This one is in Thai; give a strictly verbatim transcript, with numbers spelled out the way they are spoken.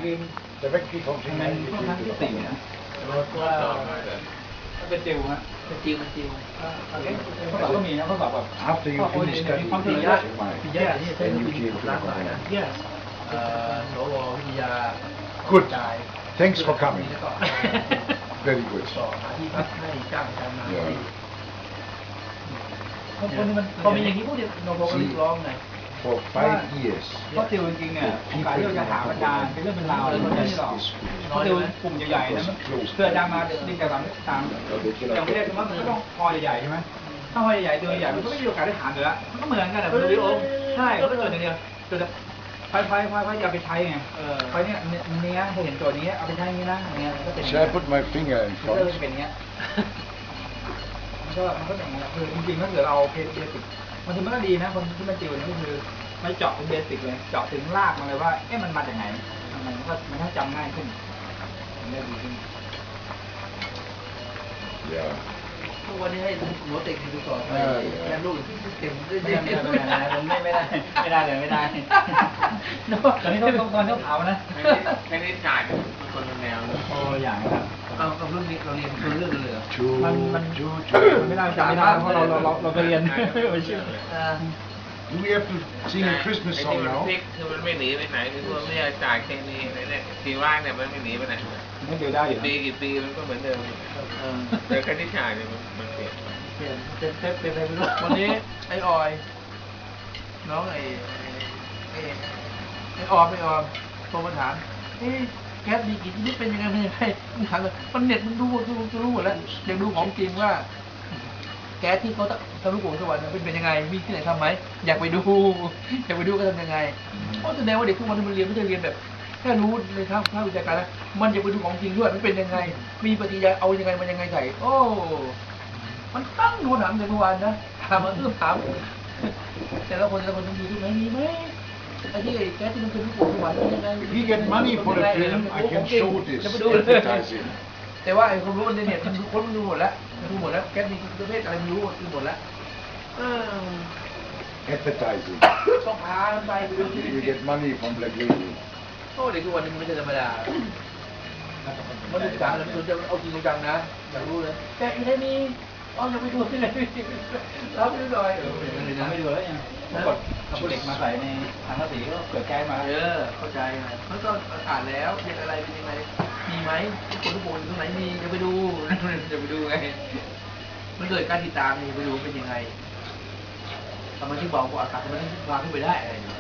clean directly from ทำไม Shanghai. ค่อนข้างที่สี่นะว่าเป็นจิวฮะเป็นจิวเป็นจิวข้อสอบก็มีนะข้อสอบแบบ After you finish มี studying ความถี่ in เยอะ Shanghai, มีเยอะที่ใช้ then ลูก you วิธี came to ล้านหลายนะ Hong Kong. yes เอ่อสววิทยา Good. จ่าย Thanks for coming. แล้วก็ Very good. ต่อหาที่พักให้จ้างการมา Yeah. พวกนี้มันพอมีอย่างนี้พวกเดียวโนโบก็เรียกร้องไง For five years, เพราะติวจริงๆเนี่ยโอกาสที่เราจะหาอาจารย์เป็นเรื่องเป็นราวเลยมันไม่ใช่หรอกเพราะติวกลุ่มใหญ่ๆนะมันคืออาจารย์มาเรียนจากตามตามอย่างไม่ได้คือว่ามันก็ต้องคอยใหญ่ๆใช่ไหมถ้าคอยใหญ่ๆตัวใหญ่มันก็ไม่มีโอกาสได้ถามอยู่แล้วมันก็เหมือนกันแหละมันเลยใช่ก็เกิดอย่างเดียวเกิดไฟไฟไฟไฟอย่าไปใช้ไงไฟเนี่ยเนี้ยเห็นตัวนี้เอาไปใช้อย่างนี้นะอย่างเงี้ยก็เป็น shall I put my finger in มันก็ front? เป็นอย่างเงี้ยมันก็มันก็อย่างเงี้ยคือจริงๆถ้าเกิดเราเพจเบสิกมันถึงมันก็ดีนะคนที่มาติวเนี่ยก็คือไม่เจาะเป็นเบสิกเลยเจาะถึงรากมันเลยว่าเอ๊ะมันมาจากไหนมันก็มันก็จำง่ายขึ้นมันได้ดีขึ้น Yeah. ทุกวันนี้ให้หัวเต็กดูสอบไปแทนลูกที่เต็มด้วยไม่ได้ไม่ได้ไม่ได้ไม่ได้ไม่ได้เลยไม่ได้ตอนนี้ต้องตอนต้องเผานะไม่ได้จ่ายเป็นคนละแนวเลยโอ้อย่างครับเอากับรุ่นนี้เราเรียนคนเรื่องเลยเหรอ Two, มันมัน two, ไม่ two. ได้จำไม่ได้เพราะเราเราเราเราไปเรียนไม่เชื่ออ่า Do we have to sing a Christmas ไอ้ song ที่มัน now? พลิกคือมันไม่หนีไปไหนคือว่าไม่ได้จ่ายแค่นี้อะไรเนี่ยทีว่างเนี่ยมันไม่หนีไปไหนไม่เดียวได้อยู่ปีกี่ปีมันก็เหมือนเดิมเออแต่ค่าที่จ่ายเนี่ยมันมันเปลี่ยนเปลี่ยนเป็นเป็นเป็นอะไรไม่รู้วันนี้ไอ้ออย น้องไอ้ไอ้ไอ้ออมไอ้ออมโทรมาถามเอ๊ะแก๊สดีกี่ชนิดเป็นยังไงเป็นยังไงมึงถามเลยมันเน็ตมันดูดูดูรู้หมดแล้วอยากดูของจริงว่า แก๊สที่เขาทำลูกโป่งสวรรค์เป็นเป็นยังไงมีที่ไหนทำไหมอยากไปดูอยากไปดูก็ทำยังไงเพราะแสดงว่าเด็กทุกวันนี้มันเรียนไม่ใช่เรียนแบบแค่รู้ในทางภาควิชาการนะมันอยากไปดูของจริงด้วยมันเป็นยังไง มีปฏิกิริยาเอายังไงมันยังไงใส่โอ้มันตั้งดูหนังในเมื่อวานนะถามมันเอื้อมถามแต่ละคนแต่ละคนต้องดูที่ไหนมีไหมไอ้ที่แก๊สที่มันเป็นลูกโป่งสวรรค์เป็นยังไง If we get money for the film, I can show this จะไปดูเลย advertising. แต่ว่าไอ้ความรู้ในเน็ตมันคนมันดูหมดแล้วมันดูหมดแล้วแก๊สมีประเภทอะไรไม่รู้ดูหมดแล้วเออ Advertising. ต้องพามันไปไปดูที่ We get money from Black Lady. โอ้เด็กทุกวันนี้มันไม่ใช่ธรรมดามันศึกษาแล้วมันจะเอาจริงจังนะอยากรู้เลยแต่อีนี่มีอ๋อยังไม่ดูที่ไหนรับดูหน่อยเออเป็นเลยนะไม่ดูแล้วยังกดเอาเหล็กมาใส่ในถังกระสีก็เกิดแก๊สมาเออเข้าใจนะเขาก็อ่านแล้วเป็นอะไรเป็นยังไงมีไหมคนทุกคนตรงไหนมีจะไปดูจะไปดูไงมันเกิดการติดตามนี่ไปดูเป็นยังไงทำไมที่บอกว่าอากาศมันวางขึ้นไปได้อะไรอย่างเงี้ย